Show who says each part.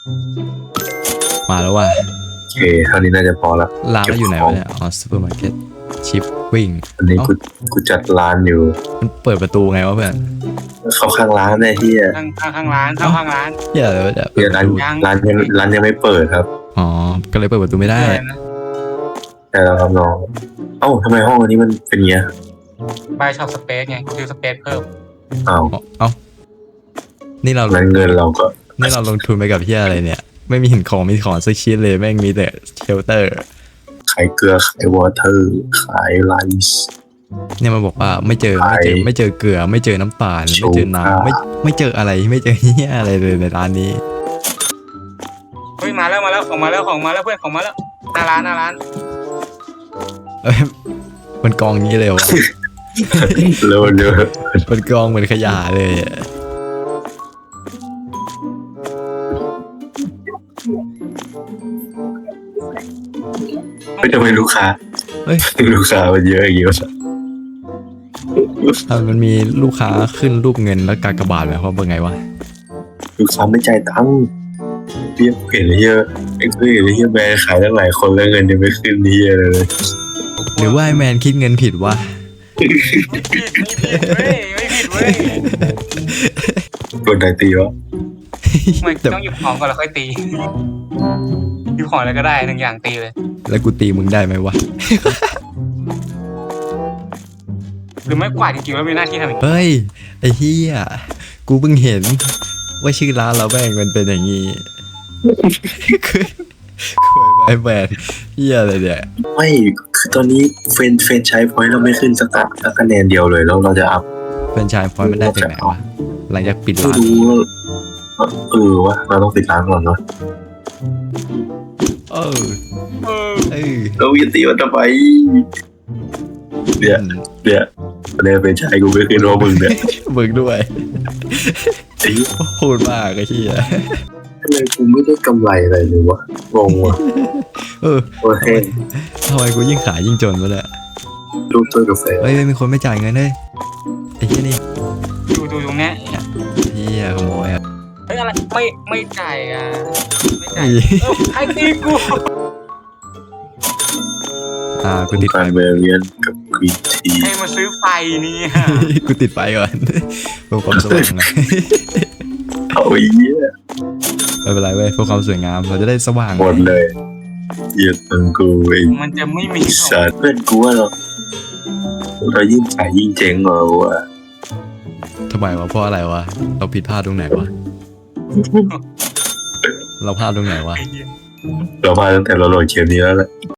Speaker 1: มาแล้วว่ะ
Speaker 2: โอเคเท่านี้น่าจะพอละ
Speaker 1: ร้านเราอยู่ไหนวะเนี่ยอ๋อซูเปอร์มาร์เก็ตชิปวิ่ง
Speaker 2: อันนี้กูจัดร้านอยู่
Speaker 1: มันเปิดประตูไงวะเพื่อน
Speaker 2: เข้าข้างร้านเลยที่
Speaker 3: ข้างร้านเข้าข้างร้าน
Speaker 1: เหี้ยเลยเปิดป
Speaker 2: ร้าน
Speaker 1: ระตู
Speaker 2: ร้านยังไม่เปิดครับ
Speaker 1: อ๋อก็เลยเปิดประตูไม่ได้
Speaker 2: แต่เราครับน้องเอ้าทำไมห้องอันนี้มันเป็นเงี้ย
Speaker 3: บายช็อปสเปซไงซื้อสเปซเพิ่ม
Speaker 2: อ้าว
Speaker 1: เอ้านี่เรา
Speaker 2: งั้นเงินเราก็
Speaker 1: นี่เราลงทุนไปกับเหี้ยอะไรเนี่ยไม่มีหินของมีของสักชิ้นเลยแม่งมีแต่เชลเตอร์
Speaker 2: ขายเกลือขายวอเตอร์ขายไลซ์
Speaker 1: เนี่ยมันบอกว่าไม่เจอเกลือไม่เจอน้ำตาลไม่เจอน้ำไม่เจออะไรไม่เจอเหี้ยอะไรเลยในร้านนี้
Speaker 3: เฮ้ยมาแล้วของมาแล้วเพื่อนของมาแล้วหน้าร้าน
Speaker 1: เอ้ยมันกองนี้เลยวะ
Speaker 2: เร็วเร็ว
Speaker 1: มันกองเหมือนขยะเลยอะ
Speaker 2: ไม่ทำไมลูกค้า
Speaker 1: เฮ้ย
Speaker 2: ลูกค้ามันเยอะอย่างเงี้ย
Speaker 1: มันมีลูกค้าขึ้นรูปเงินแล้วกากบาทไหมว่าเป็นไงวะ
Speaker 2: ลูกค้าไม่จ่ายตังค์เรียกเห็นเฮียเอ็กซ์เห็นเฮียแบรนด์ขายตั้งหลายคนแล้วเงินยังไม่ขึ้นเฮียเลย
Speaker 1: หรือว่าไอแมนคิดเงินผิดวะ
Speaker 3: ไม่ผิดเว้ย
Speaker 2: กดไหนตีวะ
Speaker 3: ไม่ต้องหยิบของก่อนแล้วค่อยตีหยิบของอะไรก็ได้หนึ่งอย่างตีเลย
Speaker 1: แล้วกูตีมึงได้ไหมวะ
Speaker 3: หรือไม่กวาดจริงๆแล้วมีหน้าที่ทำอย่างนี้
Speaker 1: เฮ้ยไอ้เฮียกูเพิ่งเห็นว่าชื่อร้านเราแม่งมันเป็นอย่างงี้คือไอแมนเฮียอะไรเนี่ย
Speaker 2: ไม่คือตอนนี้เฟนใช้พอยต์เราไม่ขึ้นสักคะแนนเดียวเลยแล้วเราจะอัพ
Speaker 1: เป็นชายพอยมันได้จากไหนวะหลังจากปิด
Speaker 2: ไม่
Speaker 1: ร้าน
Speaker 2: รู้วะเราต้องปิดร้านก่อนเนาะ
Speaker 1: เออเออ
Speaker 2: เราจะตีมันทำไมเนี่ยคะแนนเฟนใช้กูไม่ขึ้นเพราะมึงเนี่ย
Speaker 1: มึงด้วย
Speaker 2: ไอ้
Speaker 1: พูดมากไอ้เฮีย
Speaker 2: ทำไมกูไม่ได้กำไรอะไรเลยวะงงวะ
Speaker 1: เออ
Speaker 2: โอเค
Speaker 1: ทำไมกูยิ่งขายยิ่งจนวะเนี่ย
Speaker 2: รูปถ้วยกาแฟ
Speaker 1: เฮ้ยมีคนไม่จ่ายเงินเลยไอ้เฮียนี่
Speaker 3: ดูตรงเนี้ย
Speaker 1: เฮียขโมยอ่ะ
Speaker 3: เฮ้ยอะไรไม่จ่ายอ่ะไม่จ่าย
Speaker 1: อี
Speaker 3: ไอ้ตีกู
Speaker 1: กูติดไฟ
Speaker 2: การเบเรียนกับกรีนที
Speaker 3: ให้มาซื้อไฟนี่
Speaker 1: กูติดไฟก่อนเพื่อความสว่างนะ
Speaker 2: เอาไอ้เหี้ย
Speaker 1: ไม่เป็นไรเว้ยเพื่อความสวยงามเราจะได้สว่าง
Speaker 2: หมดเลยเหี้ยตังกูไอ้
Speaker 3: มันจะไม่มี
Speaker 2: สัตว์เพื่อนกูว่าเรายิ่งขายยิ่งเจ๊งเหรอวะ
Speaker 1: ทำไมวะเพราะอะไรวะเราผิดพลาดตรงไหนวะเราพลาดตรงไหนวะ
Speaker 3: ไอ้เหี้ย
Speaker 2: เราพลาดตั้งแต่เราโหลดเกมนี้แล้วแหละ